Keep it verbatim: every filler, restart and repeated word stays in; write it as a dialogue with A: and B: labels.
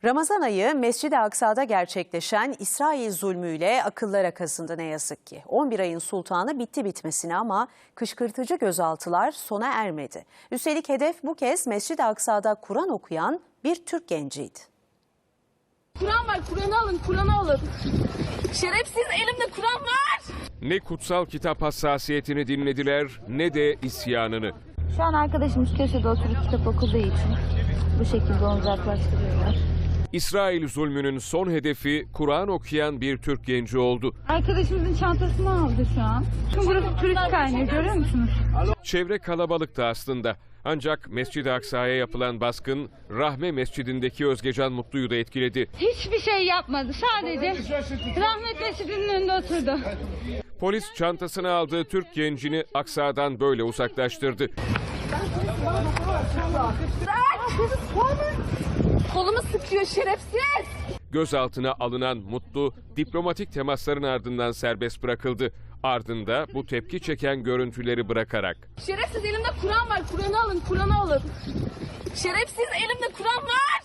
A: Ramazan ayı Mescid-i Aksa'da gerçekleşen İsrail zulmüyle akıllara kazındı ne yazık ki. on bir ayın sultanı bitti bitmesine ama kışkırtıcı gözaltılar sona ermedi. Üstelik hedef bu kez Mescid-i Aksa'da Kur'an okuyan bir Türk genciydi.
B: Kur'an var, Kur'an'ı alın, Kur'an'ı alın. Şerefsiz, elimde Kur'an var.
C: Ne kutsal kitap hassasiyetini dinlediler ne de isyanını.
D: Şu an arkadaşımız köşede oturup kitap okuduğu için bu şekilde onu uzaklaştırıyorlar.
C: İsrail zulmünün son hedefi Kur'an okuyan bir Türk genci oldu.
D: Arkadaşımızın çantasını aldı şu an. Çünkü burası turist kaynağı, görüyor musunuz?
C: Çevre kalabalıktı aslında. Ancak Mescid-i Aksa'ya yapılan baskın Rahme Mescidindeki Özgecan Mutlu'yu da etkiledi.
D: Hiçbir şey yapmadı. Sadece Rahmet Mescidi'nin önünde oturdu.
C: Polis çantasına aldığı Türk gencini Aksa'dan böyle uzaklaştırdı.
B: Kolumu sıkıyor şerefsiz.
C: Gözaltına alınan Mutlu diplomatik temasların ardından serbest bırakıldı. Ardında bu tepki çeken görüntüleri bırakarak.
B: Şerefsiz, elimde Kur'an var, Kur'an'ı alın, Kur'an'ı alın. Şerefsiz, elimde Kur'an var.